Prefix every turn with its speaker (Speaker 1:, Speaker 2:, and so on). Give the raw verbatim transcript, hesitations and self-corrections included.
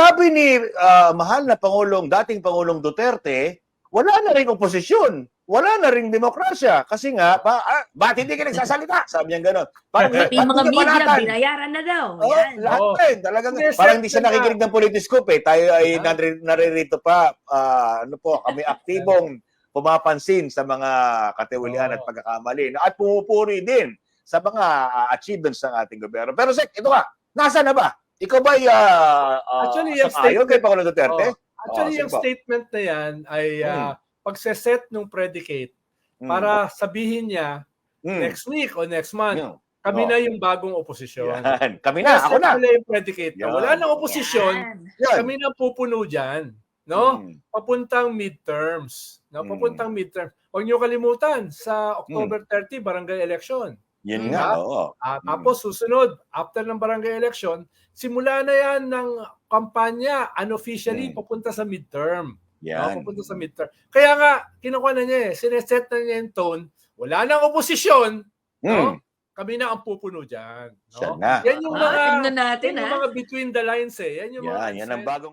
Speaker 1: sabi ni ah, mahal na Pangulong, dating Pangulong Duterte, wala na ring oposisyon. Wala na ring demokrasya. Kasi nga, ba, ah, ba't hindi ka nagsasalita? Sabi niya gano'n. Parang,
Speaker 2: Pati
Speaker 1: ba't
Speaker 2: yung mga
Speaker 1: hindi ka
Speaker 2: media,
Speaker 1: banatan?
Speaker 2: binayaran na daw.
Speaker 1: Oh,
Speaker 2: Yan.
Speaker 1: lahat
Speaker 3: Oo.
Speaker 1: din. Talagang,
Speaker 3: Hindi,
Speaker 1: parang
Speaker 3: set
Speaker 1: hindi siya
Speaker 3: na.
Speaker 1: nakikinig ng Politiscope eh. Tayo ay
Speaker 3: Yeah.
Speaker 1: nare- naririto pa, ah, ano po, kami aktibong pumapansin sa mga katiwalian
Speaker 3: Oo.
Speaker 1: at pagkakamali. At pumupuri din sa mga ah, achievements ng ating gobyerno. Pero Sek, ito nga, nasa na ba? Ikaw ba ay uh,
Speaker 3: Actually, yung
Speaker 1: sang-ayon kay
Speaker 3: statement-
Speaker 1: Pangulong Duterte?
Speaker 3: Oh, actually,
Speaker 1: Oh,
Speaker 3: yung
Speaker 1: sige po.
Speaker 3: statement na yan ay uh, pagseset ng predicate
Speaker 1: Mm.
Speaker 3: para sabihin niya
Speaker 1: Mm.
Speaker 3: next week o next month,
Speaker 1: Yun.
Speaker 3: kami
Speaker 1: Oh.
Speaker 3: na yung bagong oposisyon.
Speaker 1: Yan. Kami na, ako
Speaker 3: Set
Speaker 1: na.
Speaker 3: nila yung predicate. na
Speaker 1: Yan.
Speaker 3: Wala nang oposisyon,
Speaker 2: Yan.
Speaker 1: Yan.
Speaker 3: kami na pupuno dyan. No?
Speaker 1: Mm.
Speaker 3: Papuntang midterms. No?
Speaker 1: Mm.
Speaker 3: Papuntang midterms. Huwag niyo kalimutan, sa October thirtieth, barangay election.
Speaker 1: Yun
Speaker 2: Mm.
Speaker 1: nga,
Speaker 3: Ah,
Speaker 1: oo.
Speaker 3: Ah,
Speaker 1: Mm.
Speaker 3: tapos susunod, after ng barangay election, simula na yan ng kampanya unofficially
Speaker 1: Mm.
Speaker 3: papunta sa midterm. No?
Speaker 1: Yan.
Speaker 3: Papunta sa midterm. Kaya nga, kinukuha na niya eh, sineset na niya yung tone, wala nang oposisyon, no?
Speaker 1: Mm.
Speaker 3: Kami na ang pupuno dyan.
Speaker 1: Siya
Speaker 3: No?
Speaker 1: na.
Speaker 3: Yan yung
Speaker 2: Ah,
Speaker 3: mga,
Speaker 2: tingnan natin,
Speaker 3: yan yung
Speaker 2: ah.
Speaker 3: mga between the lines eh. Yan yung mga
Speaker 1: Yan, yan ang bagong